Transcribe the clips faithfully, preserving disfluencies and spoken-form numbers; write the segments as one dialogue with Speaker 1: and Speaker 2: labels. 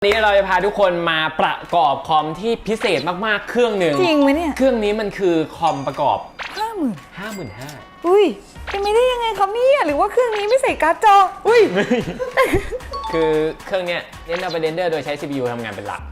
Speaker 1: วันนี้เราจะพาทุกคนมาประกอบคอมที่พิเศษมากๆเครื่องหนึ่ง
Speaker 2: จริงไหมเนี่ย
Speaker 1: เครื่องนี้มันคือคอมประกอบ
Speaker 2: ห้าหมื่น
Speaker 1: ห้าหมื่นห้า
Speaker 2: อุ้ยเป็นไม่ได้ยังไงครับเนี่ยหรือว่าเครื่องนี้ไม่ใส่การ์ดจออุ้ย
Speaker 1: คือเครื่องเนี้ยเน้นเอาไปเรนเดอร์โดยใช้ ซี พี ยู ทำงานเป็นหลัก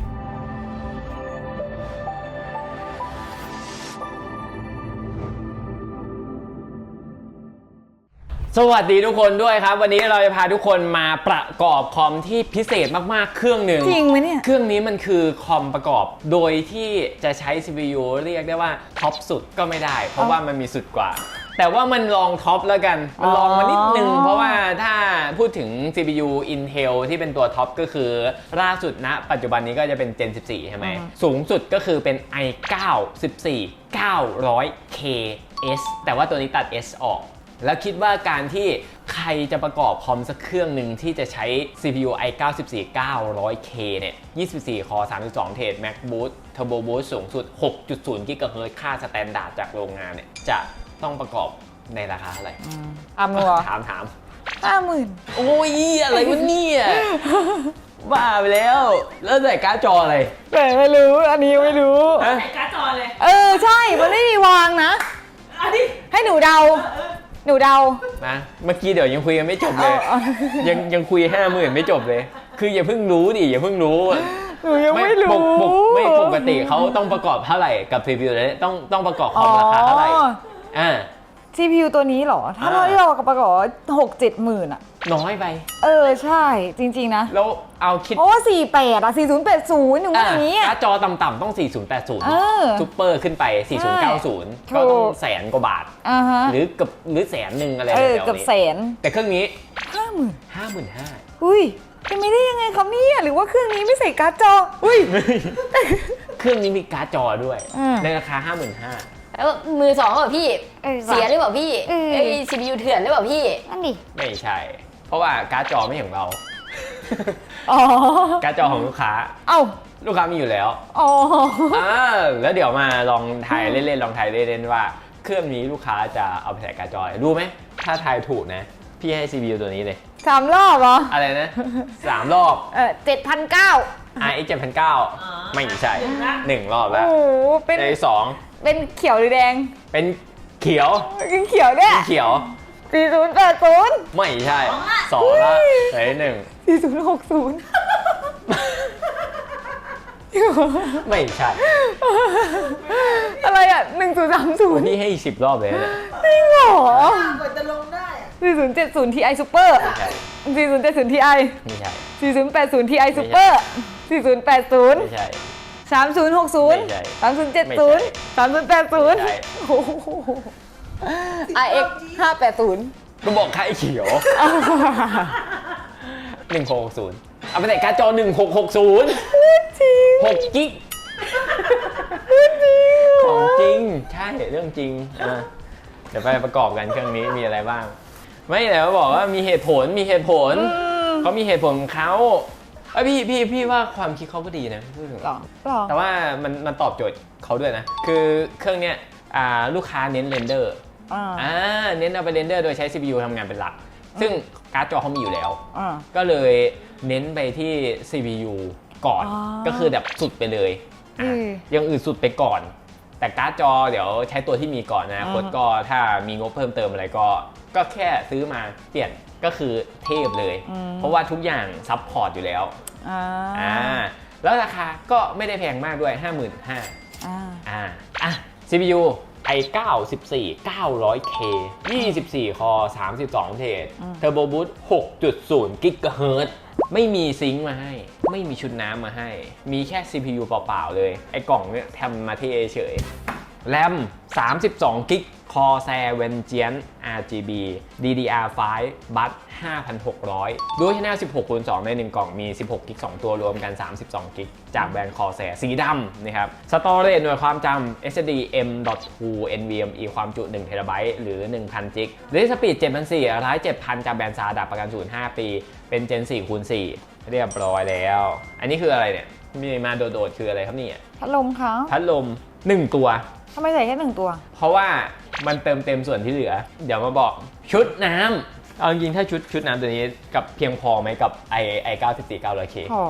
Speaker 1: สวัสดีทุกคนด้วยครับวันนี้เราจะพาทุกคนมาประกอบคอมที่พิเศษมากๆเครื่องหนึ่ง
Speaker 2: จริงไหมเนี่ย
Speaker 1: เครื่องนี้มันคือคอมประกอบโดยที่จะใช้ ซี พี ยู เรียกได้ว่าท็อปสุดก็ไม่ได้เพราะว่ามันมีสุดกว่าแต่ว่ามันลองท็อปแล้วกันมันลองมานิดนึงเพราะว่าถ้าพูดถึง ซี พี ยู Intel ที่เป็นตัวท็อปก็คือล่าสุดณปัจจุบันนี้ก็จะเป็น Gen สิบสี่ใช่ไหมสูงสุดก็คือเป็น ไอ ไนน์ สิบสี่ เก้าร้อย เค เอส แต่ว่าตัวนี้ตัด S ออกแล้วคิดว่าการที่ใครจะประกอบคอมสักเครื่องหนึ่งที่จะใช้ ซี พี ยู ไอ ไนน์ สิบสี่ เก้าร้อย เค เนี่ย ยี่สิบสี่ คอร์ สามสิบสอง เทรด Max Boost Turbo Boost สูงสุด หกจุดศูนย์ กิกะเฮิรตซ์ ค่าสแตนดาร์ดจากโรงงานเนี่ยจะต้องประกอบในราคาเท่าไหร่
Speaker 2: อ่ะมัว
Speaker 1: ถามถาม
Speaker 2: ห้าหมื่น
Speaker 1: โอ้ยอะไรวะเนี่ยบ้าไปแล้วแล้วใส่การ์ดจออะไร
Speaker 2: แต่ไม่รู้อันนี้ไม่รู้
Speaker 3: ใส่การ์ดจอเลย
Speaker 2: เออใช่มันไม่มีวางนะ
Speaker 3: อันนี้
Speaker 2: ให้หนูเดาหนูเดา
Speaker 1: นะเมื่อกี้เดี๋ยวยังคุยกันไม่จบเลยยังยังคุยห้าหมื่นไม่จบเลยคืออย่าเพิ่งรู้ดิอย่าเพิ่งรู้
Speaker 2: หนูยังไม่รู้
Speaker 1: ไม่ปกติเขาต้องประกอบเท่าไหร่กับ ซี พี ยู เลยต้องต้องประกอบคอมราคาเท่าไหร่อ่า
Speaker 2: ซี พี ยู ตัวนี้เหรอถ้าเราที่เราประกอบหกเจ็ดหมื่นอะ
Speaker 1: น้อยไป
Speaker 2: เออใช่จริงๆนะ
Speaker 1: แล้วเอาคิด
Speaker 2: เพราะว่าสี่แปดอะสี่ศูนย์แปดศูนย์อย่างนี้
Speaker 1: การ์ดจอต่ำๆต้องสี่ศูนย์แปดศูนย์ซุปเปอร์ขึ้นไปสี่ศูนย์เก้าศูนย์ก็ต้องแสนกว่าบาทหรือกับหรือแสนหนึ่งอะไรแบบนี้
Speaker 2: เกือบแสน
Speaker 1: แต่เครื่องนี้
Speaker 2: ห้าหมื่น
Speaker 1: ห้าหมื่นห้า
Speaker 2: อุ้ยเป็นไม่ได้ยังไงครับเนี่ยหรือว่าเครื่องนี้ไม่ใส่การ์ดจออุ้ย
Speaker 1: เครื่องนี้มีการ์ดจอด้วยในราคาห้าหมื่นห้า
Speaker 3: แล้วมือสองหรือเปล่าพี่เสียหรือเปล่าพี่ไอ ซี พี ยู เถื่อนหรือเปล่าพี่
Speaker 2: นั่นดิ
Speaker 1: ไม่ใช่เพราะว่าการ์ดจอไม่ของเราการ์ดจอของลูกค้า
Speaker 2: เอ้า
Speaker 1: ลูกค้ามีอยู่แล้ว
Speaker 2: อ๋อ
Speaker 1: แล้วเดี๋ยวมาลองทายเล่นๆลองทายเล่นๆว่าเครื่องนี้ลูกค้าจะเอาไปใส่การ์ดจอรู้ไหมถ้าทายถูกนะพี่ให้ ซี พี ยู ตัวนี้เลย
Speaker 2: สามรอบเหรอ
Speaker 1: อะไรนะสามรอบ
Speaker 2: เออเจ็ดพันเก้า
Speaker 1: อาร์ เอ็กซ์ เจ็ดพันเก้าไม่ใช่หนึ่งรอบแล้ว
Speaker 2: โอ้เป็น
Speaker 1: สอง
Speaker 2: เป็นเขียวหรือแดง
Speaker 1: เป็นเขียว
Speaker 2: เป็นเขียวเนี่ย
Speaker 1: เขียว
Speaker 2: สี่ศูนย์แปดศูนย์
Speaker 1: ไม่ใช่สองละไหนหนึ่ง
Speaker 2: สี่ศูนย์หกศูนย์
Speaker 1: ไม่ใช่
Speaker 2: อะไรอ่ะหนึ่งศูนย์สามศูนย์
Speaker 1: นี่ให้สิบรอบเลยเนี่ย
Speaker 2: จริงเหรอก
Speaker 3: ว่าจะลงได้
Speaker 2: สี่ศูนย์เจ็ดศูนย์ทีไอซูเปอร์สี่ศูนย์เจ็ดศูนย์ทีไอ
Speaker 1: ไม่ใช่
Speaker 2: สี่ศูนย์แปดศูนย์ทีไอซูเปอร์สี่ศูนย์แปดศูนย์
Speaker 1: ไม่ใช่
Speaker 2: สามศูนย์หกศูนย์สามศูนย์เจ็ดศูนย์สามศูนย์แปดศูนย์โอ้โหไอเอ็กห้าแปดศูนย์
Speaker 1: ก็บอกค่ายเขียวหนึ่งหกหกศูนย์เอาไปใส่การ์ดจอหนึ่งหกหกศูนย์
Speaker 2: จริง
Speaker 1: หกกิกของจริงใช่เรื่องจริงอ่ะเดี๋ยวไปประกอบกันเครื่องนี้มีอะไรบ้างไม่แต่ว่าบอกว่ามีเหตุผลมีเหตุผลเขามีเหตุผลของเขาไอพี่พี่พี่ว่าความคิดเขาก็ดีนะพูดถึงแต่ว่ามันมันตอบโจทย์เขาด้วยนะคือเครื่องเนี้ยลูกค้าเน้นเรนเดอร์อ่าเน้นเอาไปเรนเดอร์โดยใช้ ซี พี ยู ทำงานเป็นหลักซึ่งการ์ดจอเขามีอยู่แล้วก็เลยเน้นไปที่ ซี พี ยู ก่อนก็คือแบบสุดไปเลยยังอื่นสุดไปก่อนแต่การ์ดจอเดี๋ยวใช้ตัวที่มีก่อนนะคนก็ถ้ามีงบเพิ่มเติมอะไรก็ก็แค่ซื้อมาเปลี่ยนก็คือเทพเลยเพราะว่าทุกอย่างซัพพอร์ตอยู่แล้วอ่าแล้วราคาก็ไม่ได้แพงมากด้วย ห้าหมื่นห้าพัน อ่าอ่าอ่ะ ซี พี ยู ไอ ไนน์ สิบสี่ เก้าร้อย เค ยี่สิบสี่ คอร์ สามสิบสอง เทรด Turbo Boost หกจุดศูนย์ กิกะเฮิรตซ์ ไม่มีซิงค์มาให้ไม่มีชุดน้ำมาให้มีแค่ ซี พี ยู เปล่าๆเลยไอ้กล่องเนี้ยทำมาเท่เฉยแรมสามสิบสอง กิก Corsair Vengeance อาร์ จี บี ดี ดี อาร์ ไฟว์ บัส ห้าพันหกร้อย ด้วยชแนล สิบหกคูณสอง ในหนึ่งกล่องมี สิบหก กิก สอง ตัวรวมกัน สามสิบสอง กิก จากแบรนด์ Corsair สีดำนะครับ Storage หน่วยความจำ เอส เอส ดี เอ็ม ดอท ทู เอ็น วี เอ็ม อี ความจุ หนึ่ง เทราไบต์ หรือ หนึ่งพัน จิก Read Speed เจ็ดพันสี่ร้อย ร้าย เจ็ดพัน จากแบรนด์ Zada ประกันศูนย์ ห้า ปีเป็น Gen สี่คูณสี่ เรียบร้อยแล้วอันนี้คืออะไรเนี่ยมีมาโดดๆคืออะไรครับเนี่ย
Speaker 2: พัดลมค่ะ
Speaker 1: พัดลมหนึ่งตัว
Speaker 2: ทำไมใส่แค่หนึ่งตัว
Speaker 1: เพราะว่ามันเติมเต็มส่วนที่เหลือเดี๋ยวมาบอกชุดน้ำเอาจริงๆถ้าชุดชุดน้ำตัวนี้กับเพียงพอไหมกับ ไอ ไนน์ สิบสี่ เก้าร้อย เค
Speaker 2: พอ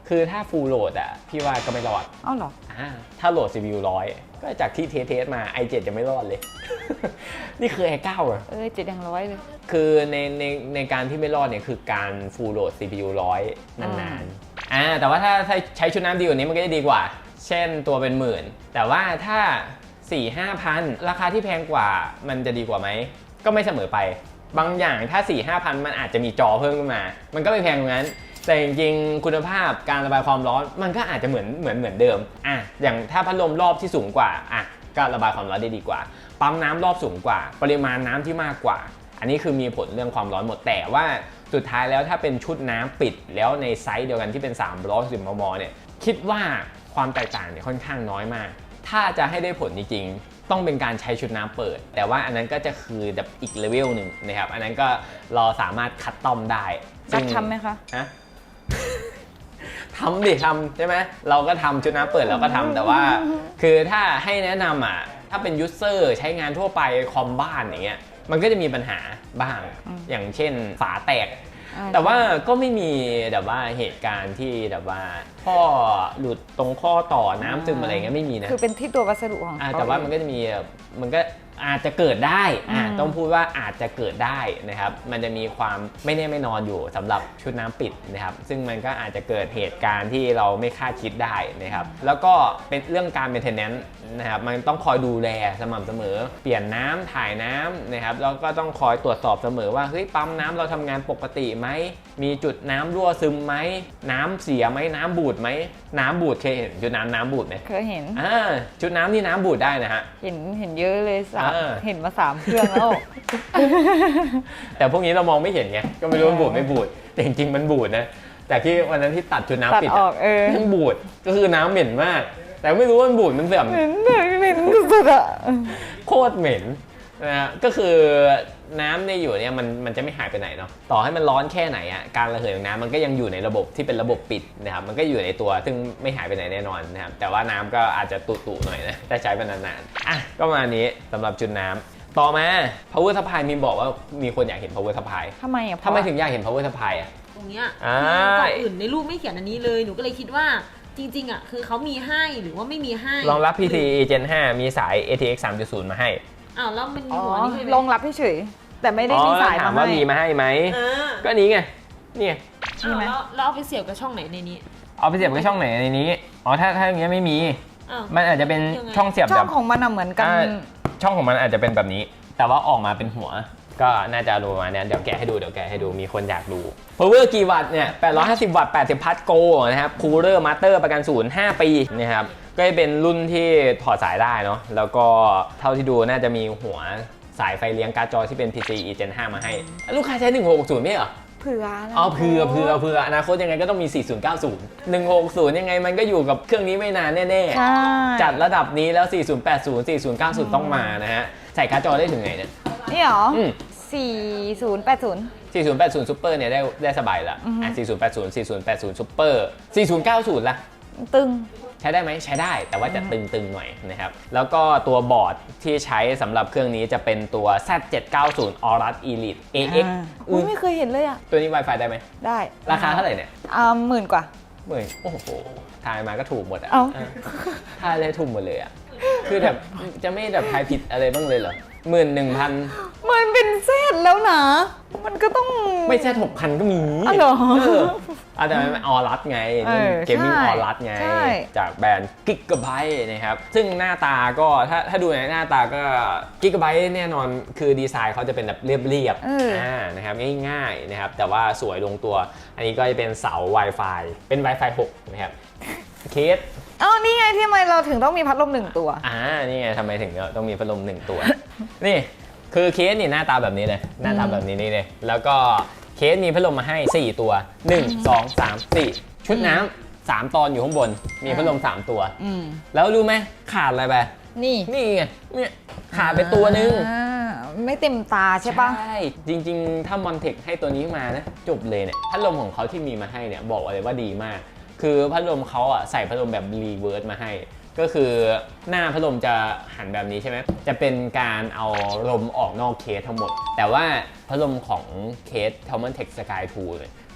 Speaker 1: คือถ้า full load อ่ะพี่ว่าก็ไม่รอด
Speaker 2: อ้าวเหรอ
Speaker 1: อ่าถ้าโหลด ซี พี ยู ร้อยก็จากที่เทสเทสมา ไอ เซเว่น จะไม่รอดเลย นี่คือ ไอ เก้า อ่ะ
Speaker 2: เออเจ็ดยังร้อยเลย
Speaker 1: คือในในในการที่ไม่รอดเนี่ยคือการ full load ซี พี ยู ร้อยนานๆอ่าแต่ว่าถ้าถ้าใช้ชุดน้ำดีกว่านี้มันก็จะดีกว่า เช่นตัวเป็นหมื่นแต่ว่าถ้า สี่ห้าพัน ราคาที่แพงกว่ามันจะดีกว่าไหมก็ไม่เสมอไปบางอย่างถ้า สี่ห้าพัน มันอาจจะมีจอเพิ่มขึ้นมามันก็ไม่แพงตรงนั้นแต่จริงๆคุณภาพการระบายความร้อนมันก็อาจจะเหมือนเหมือนเหมือนเดิมอ่ะอย่างถ้าพัดลมรอบที่สูงกว่าอ่ะก็ระบายความร้อนได้ดีกว่าปั๊มน้ำรอบสูงกว่าปริมาณน้ำที่มากกว่าอันนี้คือมีผลเรื่องความร้อนหมดแต่ว่าสุดท้ายแล้วถ้าเป็นชุดน้ำปิดแล้วในไซส์เดียวกันที่เป็นสามร้อยสิบมมเนี่ยคิดว่าความแตกต่างเนี่ยค่อนข้างน้อยมากถ้าจะให้ได้ผลจริงๆต้องเป็นการใช้ชุดน้ำเปิดแต่ว่าอันนั้นก็จะคือแบบอีกเลเวลหนึ่งนะครับอันนั้นก็เราสามารถคัสตอมได้
Speaker 2: รักทำไหมคะ
Speaker 1: ฮะ ทำดิทำใช่ไหมเราก็ทำชุดน้ำเปิดเราก็ทำแต่ว่าคือถ้าให้แนะนำอ่ะถ้าเป็นยูเซอร์ใช้งานทั่วไปคอมบ้านอย่างเงี้ยมันก็จะมีปัญหาบ้างอย่างเช่นฝาแตกแต่ว่าก็ไม่มีแบบว่าเหตุการณ์ที่แบบว่าท่อหลุดตรงข้อต่อน้ำซึมอะไรเงี้ยไม่มีนะ
Speaker 2: คือเป็นที่ตัววัสดุของเขา
Speaker 1: แต่ว่ามันก็จะมีมันก็อาจจะเกิดได้อ่าต้องพูดว่าอาจจะเกิดได้นะครับมันจะมีความไม่แน่ไม่นอนอยู่สำหรับชุดน้ำปิดนะครับซึ่งมันก็อาจจะเกิดเหตุการณ์ที่เราไม่คาดคิดได้นะครับแล้วก็เป็นเรื่องการ maintenance นะครับมันต้องคอยดูแลสม่ำเสมอเปลี่ยนน้ำถ่ายน้ำนะครับแล้วก็ต้องคอยตรวจสอบเสมอว่าเฮ้ยปั๊มน้ำเราทำงานปกติไหมมีจุดน้ำรั่วซึมไหมน้ำเสียไหมน้ำบูดไหมน้ำบูดเคยเห็นชุดน้ำน้ำบูดไหม
Speaker 2: เคยเห็น
Speaker 1: อ่าชุดน้ำนี่น้ำบูดได้นะฮะ
Speaker 2: เห็นเห็นเยอะเลยสามเห็นมาสามเครื่องแล้ว
Speaker 1: แต่พวกนี้เรามองไม่เห็นไงก็ไม่รู้มันบูดไม่บูดแต่จริงๆมันบูดนะแต่ที่วันนั้นที่ตัดชุดน้ำปิด
Speaker 2: ออกเออ
Speaker 1: มันบูดก็คือน้ำเหม็นมากแต่ไม่รู้ว่ามันบูดมันเสื่อม
Speaker 2: เหม็นเหม็นสุดๆอะ
Speaker 1: โคตรเหม็นนะฮะก็คือน้ำในอยู่เนี่ยมันมันจะไม่หายไปไหนเนาะต่อให้มันร้อนแค่ไหนอ่ะการระเหยของน้ำมันก็ยังอยู่ในระบบที่เป็นระบบปิดนะครับมันก็อยู่ในตัวซึ่งไม่หายไปไหนแน่นอนนะครับแต่ว่าน้ำก็อาจจะตุ่ๆหน่อยนะแต่ใช้ไปนานๆอ่ะก็มานี้สำหรับจุดน้ำต่อมา power supply มีบอกว่ามีคนอยากเห็น power supply
Speaker 2: ทำไมอ่ะ
Speaker 1: ทำไมถึงอยากเห็น power supply อ่ะ
Speaker 4: ตรงเนี้ยก่อนอื่นในรูปไม่เขียนอันนี้เลยหนูก็เลยคิดว่าจริงๆอ่ะคือเขามีให้หรือว่าไม่มีให้
Speaker 1: รองรับ พี ซี อี Gen ห้ามีสาย เอ ที เอ็กซ์ สามจุดศูนย์ มาให้
Speaker 4: อ้าวแล้วมันมีหัวนี่
Speaker 2: รองรับเฉยแต่ไม่ได้มีสายมาให้
Speaker 1: ถามว่ามีมาให้ไหมก็นี้ไงนี่ไง
Speaker 4: อ้าวแล้วแล้วเอาไปเสียบกับช่องไหนในนี้
Speaker 1: เอาไปเสียบกับช่องไหนในนี้อ๋อถ้าถ้าอย่างเงี้ยไม่มีมันอาจจะเป็นช่องเสียบ
Speaker 2: ช่องของมันเหมือนกัน
Speaker 1: ช่องของมันอาจจะเป็นแบบนี้แต่ว่าออกมาเป็นหัวก็น่าจะรู้มาเนี่ยเดี๋ยวแกะให้ดูเดี๋ยวแกะให้ดูมีคนอยากดู power กี่วัตต์เนี่ยแปดร้อยห้าสิบวัตต์แปดสิบพัทโกนะครับ cooler master ประกันศูนย์ห้าปีนะครับก็จะเป็นรุ่นที่ถอดสายได้เนาะแล้วก็เท่าที่ดูน่าจะมีหัวสายไฟเลี้ยงการ์ดจอที่เป็น พี ซี อี Gen ห้ามาให้ลูกค้าใช้หนึ่งหกหกศูนย์ไม่เหรอ
Speaker 2: เผื่อ
Speaker 1: อ๋อเผื่อเผื่อเผื่ออนาคตยังไงก็ต้องมีสี่ศูนย์เก้าศูนย์ หนึ่งหกศูนย์ยังไงมันก็อยู่กับเครื่องนี้ไม่นานแน่ๆจัดระดับนี้แล้วสี่ศูนย์แปดศูนย์ สี่ศูนย์เก้าศูนย์ต้องมานะฮะใส่การ์ดจอได้ถึงไหนเนี่ย
Speaker 2: นี่หรอสี่ศูนย์แปดศูนย์
Speaker 1: สี่ศูนย์แปดศูนย์ Super เนี่ยได้ได้สบายละอ่ะสี่ศูนย์แปดศูนย์ สี่ศูนย์แปดศูนย์ Super สี่ศูนย์เก้าศูนย์ล่ะ
Speaker 2: ตึง
Speaker 1: ใช้ได้ไหมใช้ได้แต่ว่าจะตึงๆหน่อยนะครับแล้วก็ตัวบอร์ดที่ใช้สำหรับเครื่องนี้จะเป็นตัว แซด เจ็ดเก้าศูนย์ Aorus Elite เอ เอ็กซ์
Speaker 2: อุ้ยไม่เคยเห็นเลยอ่ะ
Speaker 1: ตัวนี้ Wi-Fi ได้ไหม
Speaker 2: ได้
Speaker 1: ราคาเท่าไหร่เนี่ย
Speaker 2: อ่าหมื่นกว่า
Speaker 1: หมื่นโอ้โหทายมาก็ถูกหมดอ่ะ
Speaker 2: เอ้า
Speaker 1: ทายเลยถูกหมดเลยอ่ะคือแบบจะไม่แบบทายผิดอะไรบ้างเลยเหรอหมื่นหนึ่งพัน
Speaker 2: มันเป็นเซตแล้วนะมันก็ต้อง
Speaker 1: ไม่ใช่หกพันก็มี
Speaker 2: อ๋อเหรอ
Speaker 1: อาจจะเป็นออรัสไงเกมมิ่งออรัสไงจากแบรนด์ Gigabyte นะครับซึ่งหน้าตาก็ถ้าถ้าดูในหน้าตาก็ Gigabyte แน่นอนคือดีไซน์เขาจะเป็นแบบเรียบๆอ่านะครับง่ายๆนะครับแต่ว่าสวยลงตัวอันนี้ก็จะเป็นเสา Wi-Fi เป็น Wi-Fi หกนะครับเคส
Speaker 2: อ๋อนี่ไงที่ทำไมเราถึงต้องมีพัดลมหนึ่งตัว
Speaker 1: อ่านี่ไงทำไมถึงต้องมีพัดลมหนึ่งตัวนี่คือเคสนี่หน้าตาแบบนี้เลยหน้าตาแบบนี้นี่เลยแล้วก็เคสมีพัดลมมาให้สี่ตัวหนึ่ง สอง สาม สี่ชุดน้ำสามตอนอยู่ข้างบนมีพัดลมสามตัวแล้วรู้ไหมขาดอะไรไป
Speaker 2: นี่
Speaker 1: นี่ไงเนี่ยขาดไปตัวนึง
Speaker 2: ไม่เต็มตาใช่ปะ
Speaker 1: ใช่จริงๆถ้ามอนเทคให้ตัวนี้มานะจบเลยเนี่ยพัดลมของเขาที่มีมาให้เนี่ยบอกเลยว่าดีมากคือพัดลมเขาอ่ะใส่พัดลมแบบรีเวิร์สมาให้ก็คือหน้าพัดลมจะหันแบบนี้ใช่ไหมจะเป็นการเอาลมออกนอกเคสทั้งหมดแต่ว่าพัดลมของเคส Thermaltake Sky ทูเนี่ยเข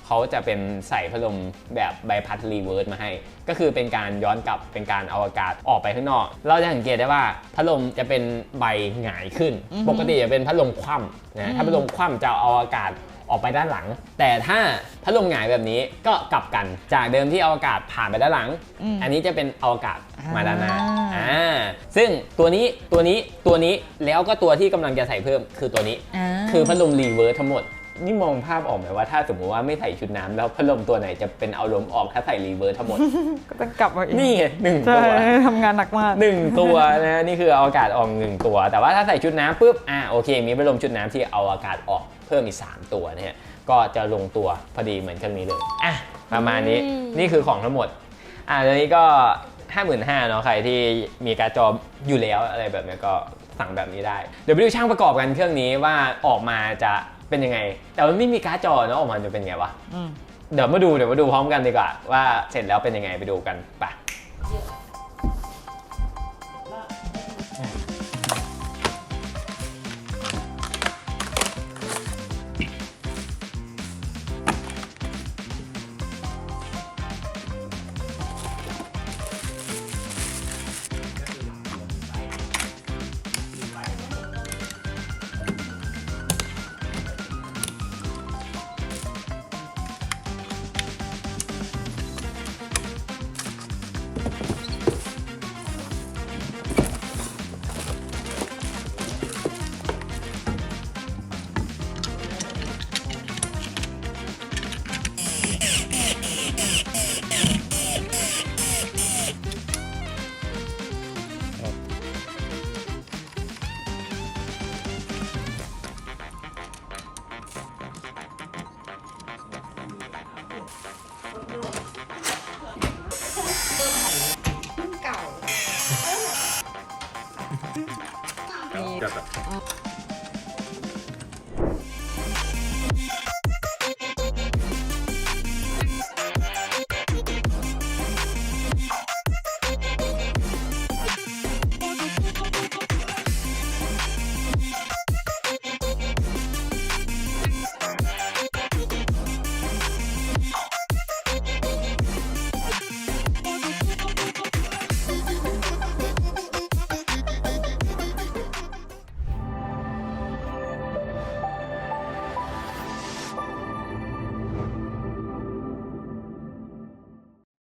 Speaker 1: เขาจะเป็นใส่พัดลมแบบใบพัดรีเวิร์สมาให้ก็คือเป็นการย้อนกลับเป็นการเอาอากาศออกไปข้างนอกเราจะสังเกตได้ว่าพัดลมจะเป็นใบหงายขึ้นปกติจะเป็นพัดลมคว่ำนะถ้าพัดลมคว่ำจะเอาอากาศออกไปด้านหลังแต่ถ้าพัดลมหงายแบบนี้ก็กลับกันจากเดิมที่เอาอากาศผ่านไปด้านหลัง อันนี้จะเป็นเอาอากาศมาด้านหน้าอ่าซึ่งตัวนี้ตัวนี้ตัวนี้แล้วก็ตัวที่กำลังจะใส่เพิ่มคือตัวนี้คือพัดลมรีเวิร์สทั้งหมดนี่มองภาพออกไหมว่าถ้าสมมติว่าไม่ใส่ชุดน้ำแล้วพัดลมตัวไหนจะเป็นเอาลมออกถ้าใส่รีเวิร์สทั้งหมด
Speaker 2: ก็ต้องกลับมาอีก
Speaker 1: นี่ไงหนึ่ง
Speaker 2: ใช่
Speaker 1: ตัว
Speaker 2: ทำงานหนักมาก
Speaker 1: หนึ่งตัวนะนี่คือเอาอากาศออกหนึ่งตัว แต่ว่าถ้าใส่ชุดน้ำปุ๊บอ่าโอเคมีพัดลมชุดน้ำที่เอาอากาศออกเพิ่มอีกสามตัวเนี่ยก็จะลงตัวพอดีเหมือนเครื่องนี้เลยอ่ะประมาณนี้นี่คือของทั้งหมดอ่ะตอนนี้ก็ ห้าหมื่นห้าพัน เนาะใครที่มีการ์ดจออยู่แล้วอะไรแบบนี้ก็สั่งแบบนี้ได้เดี๋ยวไปดูช่างประกอบกันเครื่องนี้ว่าออกมาจะเป็นยังไงแต่มันไม่มีการ์ดจอเนาะออกมาจะเป็นไงวะเดี๋ยวมาดูเดี๋ยวมาดูพร้อมกันดีกว่าว่าเสร็จแล้วเป็นยังไงไปดูกันไป